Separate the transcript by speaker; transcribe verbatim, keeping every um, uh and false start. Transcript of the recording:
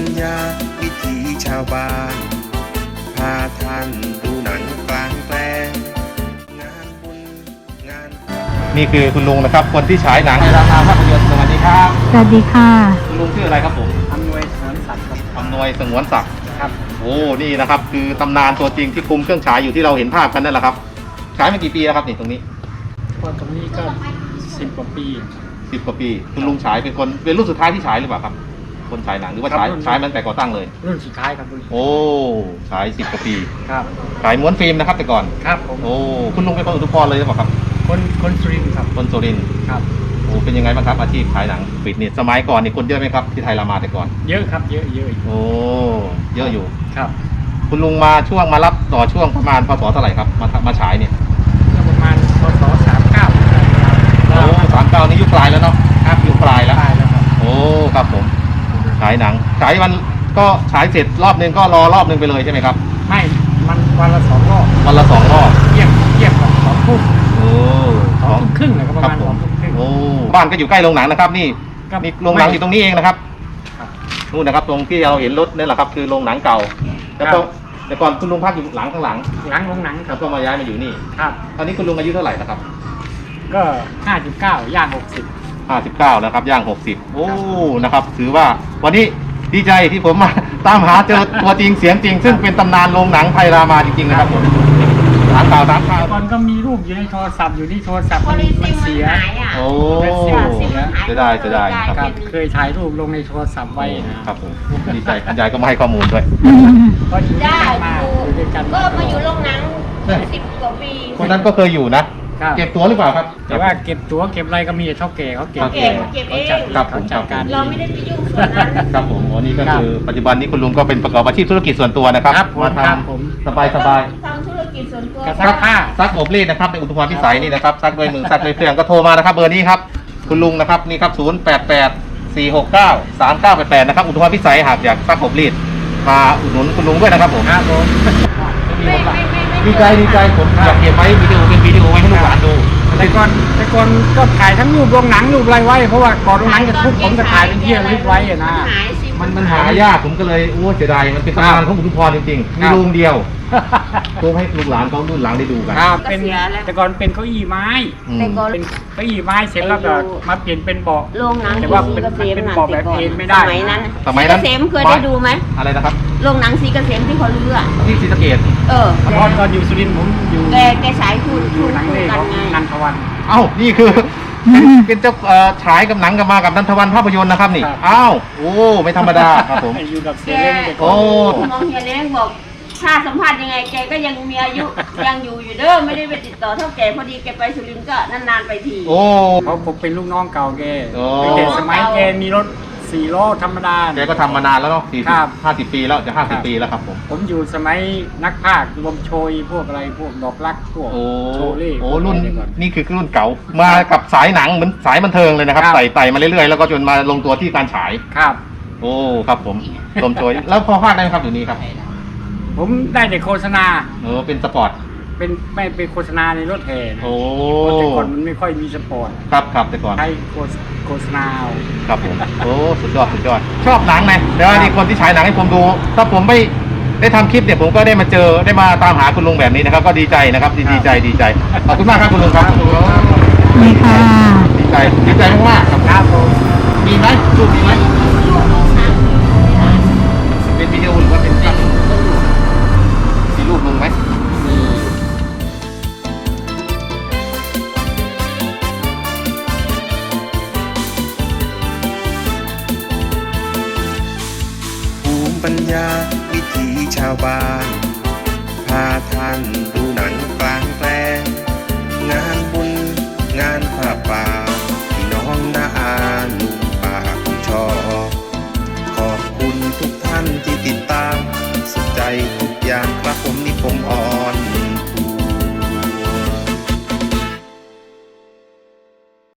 Speaker 1: ญาวิถีชาวบ้านพาท่านดูหนังกลางแปลงงานบุญงาน
Speaker 2: นี่คือคุณลุงนะครับคนที่ฉายหนังในราคาภาพยนตร์สวัสดีครับ
Speaker 3: สวัสดีค่ะ
Speaker 2: คุณลุงชื่ออะไรครับผม
Speaker 4: อำนวยสงวนศักดิ์ครับ
Speaker 2: อำนวยสงวนศักดิ์
Speaker 4: ครับ
Speaker 2: โอ้นี่นะครับคือตำนานตัวจริงที่คุมเครื่องฉายอยู่ที่เราเห็นภาพกันนั่นแหละครับฉายมากี่ปีแล้วครับนี่ตรงนี้
Speaker 4: ก็ตรงนี้ก็สิบกว่าปี
Speaker 2: สิบกว่าปีคุณลุงฉายเป็นคนเป็นรุ่นสุดท้ายที่ฉายหรือเปล่าครับคนฉายหนังหรือว่าฉายฉายมันแต่ก่อตั้งเลย
Speaker 4: รุ่นสุดท้ายครับ
Speaker 2: โอ้ฉายสิบกว่าปี
Speaker 4: ครับ
Speaker 2: ฉายม้วนฟิล์มนะครับแต่ก่อน
Speaker 4: ครับผม
Speaker 2: โอ้คุณลุงเป็นคนอุทุพรเลยหรือเปล่าครับ
Speaker 4: คนคนสุรินทร์ครับ
Speaker 2: คนสุรินทร์
Speaker 4: ครับ
Speaker 2: โอ้เป็นยังไงบ้างครับอาชีพฉายหนังปิดเนี่ยสมัยก่อนนี่คนเยอะไหมครับที่ไทยรามาแต่ก่อน
Speaker 4: เยอะครับเยอะเยอะ
Speaker 2: โอ้เยอะอยู่
Speaker 4: ครับ
Speaker 2: คุณลุงมาช่วงมารับต่อช่วงประมาณพศเท่าไหร่ครับมามาฉายเนี่ย
Speaker 4: ประมาณพศสามเก้า
Speaker 2: โอ้สามเก้านี่ยุคปลายแล้วเนาะครับยุคปลายแล้ว
Speaker 4: ครับ
Speaker 2: โอ้ครับผมฉายหนังฉายวันก็ฉายเสร็จรอบนึงก็รอรอบนึงไปเลยใช่ไหมครับ
Speaker 4: ไม่มันวันละสองรอบ
Speaker 2: วันละสองรอบ
Speaker 4: เยี่ยมเยี่ยมกับสองทุ่ม
Speaker 2: โอ้
Speaker 4: สองทุ่มครึ่งเลยก็ประมาณสองทุ่มครึ่ง
Speaker 2: โอ้บ้านก็อยู่ใกล้โรงหนังนะครับนี่นี่โรงหนังอยู่ตรงนี้เองนะครับนู่นนะครับตรงที่เราเห็นรถนี่แหละครับคือโรงหนังเก่าแล้วก็แต่ก่อนคุณลุงพักอยู่หลังข้างหลัง
Speaker 4: หลังโรงหนัง
Speaker 2: ครับก็มาย้ายมาอยู่นี่
Speaker 4: ครับ
Speaker 2: ตอนนี้คุณลุงอายุเท่าไหร่นะครับ
Speaker 4: ก็ห้าสิบเก้าย่างหกสิบ
Speaker 2: ห้าสิบเก้าแล้วครับย่างหกสิบโอ้นะครับถือว่าวันนี้ดีใจที่ผมมาตามหาเจอตัวจริงเสียงจริงซึ่งเป็นตำนานโรงหนังไทยรามาจริงๆนะครับผมถามข่าวถามข่าว
Speaker 4: ก่อนก็มีรูปอยู่ในโทรศัพท์อยู่ที่โทรศัพท์มันเสีย
Speaker 2: โอ้จะได้จะได้ครับ
Speaker 4: เคยถ่ายรูปลงในโทรศัพท์ไว้นะครับ
Speaker 2: ผมดีใจคุณยายก็มาให้ข้อมูลด้วย
Speaker 4: ก็อยู่ด้วยกันมาอยู่ด้วยกัน
Speaker 5: ก็มาอยู่โรงหนังสิบกว่าปี
Speaker 2: คนนั้นก็เคยอยู่นะเก็บตัวหรือเปล่าครับ
Speaker 4: แต่ว่าเก็บตัวเก็บอะไรก็มีเท่าแก่เขาเก็บ
Speaker 5: เก็บเก็บเอง
Speaker 2: เขาจัดการ
Speaker 5: เราไม่ได้ไปยุ่งส่วนนั้น
Speaker 2: ครับผมวันนี้ก็คือปัจจุบันนี้คุณลุงก็เป็นประกอบอาชีพธุรกิจส่วนตัวนะครับ
Speaker 4: มาท
Speaker 2: ำสบายสบาย
Speaker 5: ทำธุรกิจส่วนตัว
Speaker 2: ซักผ้าซักอบรีดนะครับในอุทุพรพิสัยนี่นะครับซักด้วยมือซักด้วยเครื่องก็โทรมานะครับเบอร์นี้ครับคุณลุงนะครับนี่ครับศูนย์แปดแปดสี่หกเก้าสามเก้าแปดแปดนะครับอุทุพรพิสัยหากอยากซักอบรีดมาอุดหนุนคุณลุงด้วยนะครับผม
Speaker 4: ครับผม
Speaker 2: ดีใจดีใจผมอยากเก็บไว้วิดีโอเป็นวิดีโอไว้ให้ลูกหลานดู
Speaker 4: แต่ก่อนแต่ก่อนก็ถ่ายทั้งรูปโรงหนังรูปอะไรไว้เพราะว่าก่อนโรงหนังจะทุกผมจะถ่ายเป็นที่ระลึกไว้นะ
Speaker 2: มันมันหายากผมก็เลยโอ้เสียดายมันเป็นตำนานของอุทุพรจริงๆมีโรงเดียวเพื่อให้ลูกหลานเขารุ่นหลังได้ดูกัน
Speaker 4: ครับเป็นแต่ก่อนเป็นเก้าอี้ไม้
Speaker 5: แต่ก่อน
Speaker 4: เป็นเก้าอี้ไม้เสร็จแล้วก็มาเปลี่ยนเป็นเบาะ
Speaker 5: โรงหนัง
Speaker 4: แต่ว่าเป็นเป็นเบาะแบบเอนไม่ได้
Speaker 5: สมัยนั้น
Speaker 2: สมัยนั้น
Speaker 5: เกษมเคยได้ดูไหม
Speaker 2: อะไรนะครับ
Speaker 5: โรงหนังสีเกษมที่เขาเลือก
Speaker 2: ที่ศรีสะเกษ
Speaker 5: เออ
Speaker 4: ตอนตอนอยู่สุรินทร์ผมอยู่
Speaker 5: แกแกฉายคุณ
Speaker 4: อยู่หนังเล่ของนันทวัน
Speaker 2: เอ้านี่คือเป็นเจ้าฉายกับหนังกับมากับนันทวันภาพยนตร์นะครับนี่อ้าวโอ้ไม่ธรรมดาครับผม
Speaker 4: อยู่กับเสียเล้ง
Speaker 5: โอ้มองเฮียเล้งบอกถ้าสัมภาษณ์ยังไงแกก็ยังมีอายุยังอยู่อยู่เด้อไม่ได้ไปติดต่อเท่าแกพอดีแกไปสุรินทร์ก็นานๆไปที
Speaker 2: โอ้
Speaker 4: เพราะผมเป็นลูกน้องเก่าแกเด็กสมัยแกมีรถสี่ล้อธรรมดา
Speaker 2: แกก็ทำมานานแล้วเนาะสี่สิบห้าสิบปีแล้วจะห้าสิบปีแล้วครับผม
Speaker 4: ผมอยู่สมัยนักพากย์ลมโชยพวกอะไรพวกดอกรักพวกโชเล่
Speaker 2: โอ้รุ่นนี่คือรุ่นเก่ามากับสายหนังเหมือนสายบันเทิงเลยนะครับไต่ไต่มาเรื่อยๆแล้วก็จนมาลงตัวที่การฉาย
Speaker 4: ครับ
Speaker 2: โอ้ครับผมลมโชยแล้วพอพากย์ได้ไหมครับอยู่นี้ครับ
Speaker 4: ผมได้แต่โฆษณา
Speaker 2: เออเป็นสปอร์ต
Speaker 4: เป็นไม่เป็นโฆษณาในรถแห่
Speaker 2: โอ้
Speaker 4: แต่ก่อนมันไม่ค่อยมีสปอร์ต
Speaker 2: ครับครับแต่ก่อน
Speaker 4: ใช้โฆษณา
Speaker 2: ครับผมโอ้สุดยอดสุดยอดชอบหนังไหมเดี๋ยวนี่คนที่ฉายหนังให้ผมดูถ้าผมไม่ได้ทำคลิปเนี่ยผมก็ได้มาเจอได้มาตามหาคุณลุงแบบนี้นะครับก็ดีใจนะครับดีใจดีใจขอบคุณมากครับคุณลุงครับ
Speaker 3: นี่ค่ะ
Speaker 2: ดีใจดีใจมากๆครับ
Speaker 4: ครับผม
Speaker 2: มีไหมรูปมีไหมเป็นวิดีโอหรือว่าเป็นภาพมีรูปลุงไหม
Speaker 1: ภูมิปัญญาวิถีชาวบ้านพาท่านดูหนังกลางแปลงงานบุญงานผ้าป่า